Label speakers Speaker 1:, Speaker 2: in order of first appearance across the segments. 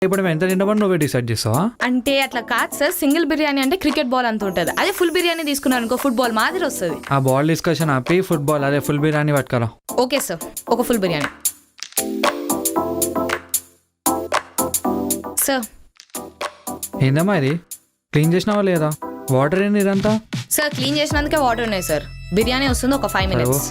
Speaker 1: ఇప్పుడు మేము ఎంత తింటామని నువ్వే డిసైడ్ చేస్తావా?
Speaker 2: అంటే అట్లా కాదు సార్, సింగిల్ బిర్యానీ అంటే క్రికెట్ బాల్ అంత ఉంటుంది. అదే ఫుల్ బిర్యానీ తీసుకున్నాను అనుకో ఫుట్బాల్ మాదిరి వస్తుంది.
Speaker 1: ఆ బాల్ డిస్కషన్ ఆపి ఫుట్బాల్ అదే ఫుల్ బిర్యానీ పట్టుకరా.
Speaker 2: ఓకే సార్, ఒక ఫుల్ బిర్యానీ సార్.
Speaker 1: ఏందమ్మా ఇది, క్లీన్ చేసినావా లేదా? వాటర్ ఏంది ఇదంతా?
Speaker 2: సార్ క్లీన్ చేసినందుకే వాటర్ ఉన్నాయి సార్. బిర్యానీ వస్తుంది ఒక 5 minutes.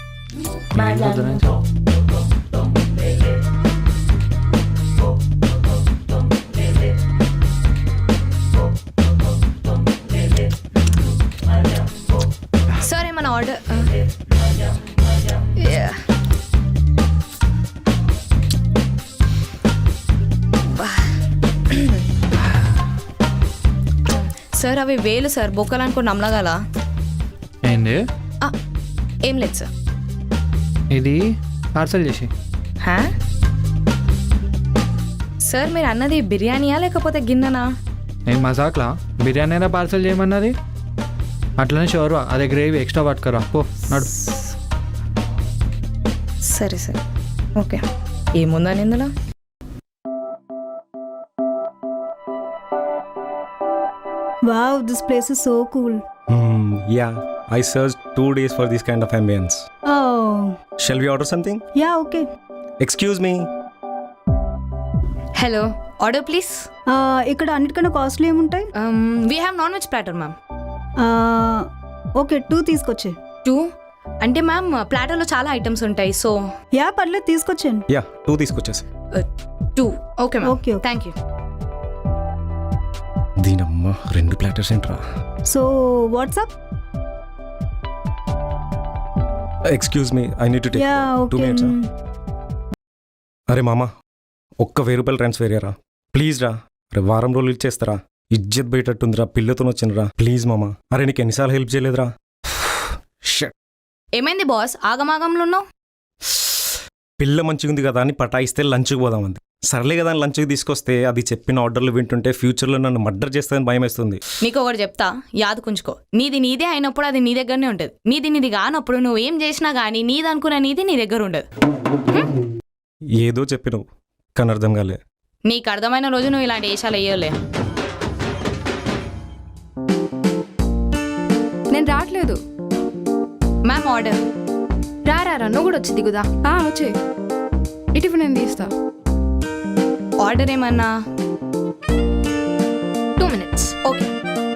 Speaker 2: సార్ ఏమన్నా ఆర్డర్? సార్ అవి వేలు సార్, బొక్కలు అనుకుని నమ్మగల.
Speaker 1: ఏంది?
Speaker 2: ఏం లేదు సార్.
Speaker 1: ఇది పార్సల్ చేసి.
Speaker 2: సార్ మీరు అన్నది బిర్యానీయా లేకపోతే గిన్నెనా?
Speaker 1: నేను మజాక్లా బిర్యానీ అయినా పార్సల్ చేయమన్నది. అట్లనే షోర్వా అదే గ్రేవీ ఎక్స్ట్రా పట్టుకరా పో నడు.
Speaker 2: సరే సరే ఓకే. ఏముందని ఇందులో?
Speaker 3: Wow, this place is so cool.
Speaker 4: Yeah, I searched 2 days for this kind of ambience.
Speaker 3: Oh,
Speaker 4: Shall we order something?
Speaker 3: yeah, okay.
Speaker 4: Excuse me.
Speaker 2: Hello, order please.
Speaker 3: ఇక్కడ అన్నిటికన్నా కాస్ట్లీ ఏముంటాయి?
Speaker 2: We have non veg platter ma'am.
Speaker 3: Okay 2 తీసుకొచ్చే.
Speaker 2: 2 అంటే ma'am ప్లాటర్లో చాలా items ఉంటాయి. So
Speaker 3: yeah పర్లేదు తీసుకొచ్చాను.
Speaker 4: Yeah, 2 తీసుకొచ్చేసి.
Speaker 2: 2 okay ma'am.
Speaker 3: Okay, okay.
Speaker 2: Thank you.
Speaker 4: దీనమ్మ 2 ప్లాటర్స్ ఏంట్రా?
Speaker 3: So what's up?
Speaker 4: Excuse me, I need to take
Speaker 3: yeah
Speaker 4: 2
Speaker 3: okay.
Speaker 4: minutes. అరే మామా, ఒక్క 1000 రూపాయలు ట్రాన్స్ఫర్ అయ్యారా ప్లీజ్ రా. అరే వారం రోజులు ఇచ్చేస్తారా? ఇజ్జత్ బయటట్టుందిరా, పిల్లతో వచ్చినరా ప్లీజ్ మామా. అరే నీకు ఎన్నిసార్లు హెల్ప్ చేయలేదురా? Shit.
Speaker 2: ఏమైంది బాస్, ఆగమాగంలో ఉన్నావు?
Speaker 4: పిల్ల మంచిగా ఉంది కదా అని పటాయిస్తే లంచ్కి పోదామంది. సర్లే కదా అని లంచ్కి తీసుకొస్తే అది చెప్పిన ఆర్డర్లు వింటుంటే ఫ్యూచర్లో నన్ను మర్డర్ చేస్తుందని భయం వేస్తుంది.
Speaker 2: నీకు ఒకటి చెప్తా, యాదకుంచుకో. నీది నీదే అయినప్పుడు అది నీ దగ్గరనే ఉంటుంది. నీది కానప్పుడు నువ్వు ఏం చేసినా కానీ నీది అనుకున్న నీది నీ దగ్గర ఉండదు.
Speaker 4: ఏదో చెప్పినావు కానీ అర్థం కాలే.
Speaker 2: నీకు అర్థమైన రోజు నువ్వు ఇలాంటి వేషాలు వేయలే.
Speaker 5: నేను రావట్లేదు.
Speaker 2: Ma'am order.
Speaker 5: రా నువ్వు కూడా వచ్చి దిగుదా. వచ్చే ఇటు నేను తీస్తా.
Speaker 2: ఆర్డర్ ఏమన్నా? 2 minutes. Okay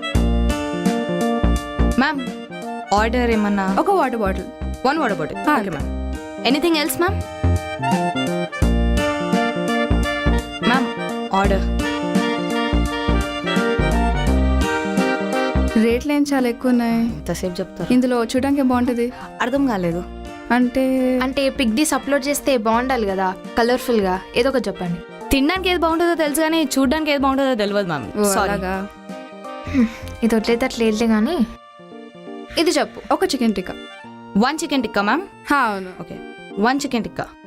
Speaker 2: ma'am. ఆర్డర్ ఏమన్నా?
Speaker 5: ఒక water bottle.
Speaker 2: 1 water bottle. Okay ma'am. Anything else ma'am? Ma'am order.
Speaker 5: రేట్లు ఏం చాలా ఎక్కువ ఉన్నాయి.
Speaker 2: ఎంతసేపు చెప్తారు?
Speaker 5: ఇందులో చూడడానికి బాగుంటుంది.
Speaker 2: అర్థం కాలేదు.
Speaker 5: అంటే
Speaker 6: పిక్ డీస్ అప్లోడ్ చేస్తే బాగుండాలి కదా, కలర్ఫుల్ గా ఏదో ఒకటి చెప్పండి.
Speaker 2: తినడానికి ఏది బాగుంటుందో తెలుసు కానీ చూడడానికి ఏది బాగుంటుందో తెలియదు మ్యామ్.
Speaker 5: అలాగా.
Speaker 6: ఇది వట్లయితే అట్లా వెళ్తే గానీ ఇది చెప్పు.
Speaker 5: ఒక chicken tikka.
Speaker 2: 1 chicken tikka ma'am.
Speaker 5: అవును.
Speaker 2: Okay 1 chicken tikka.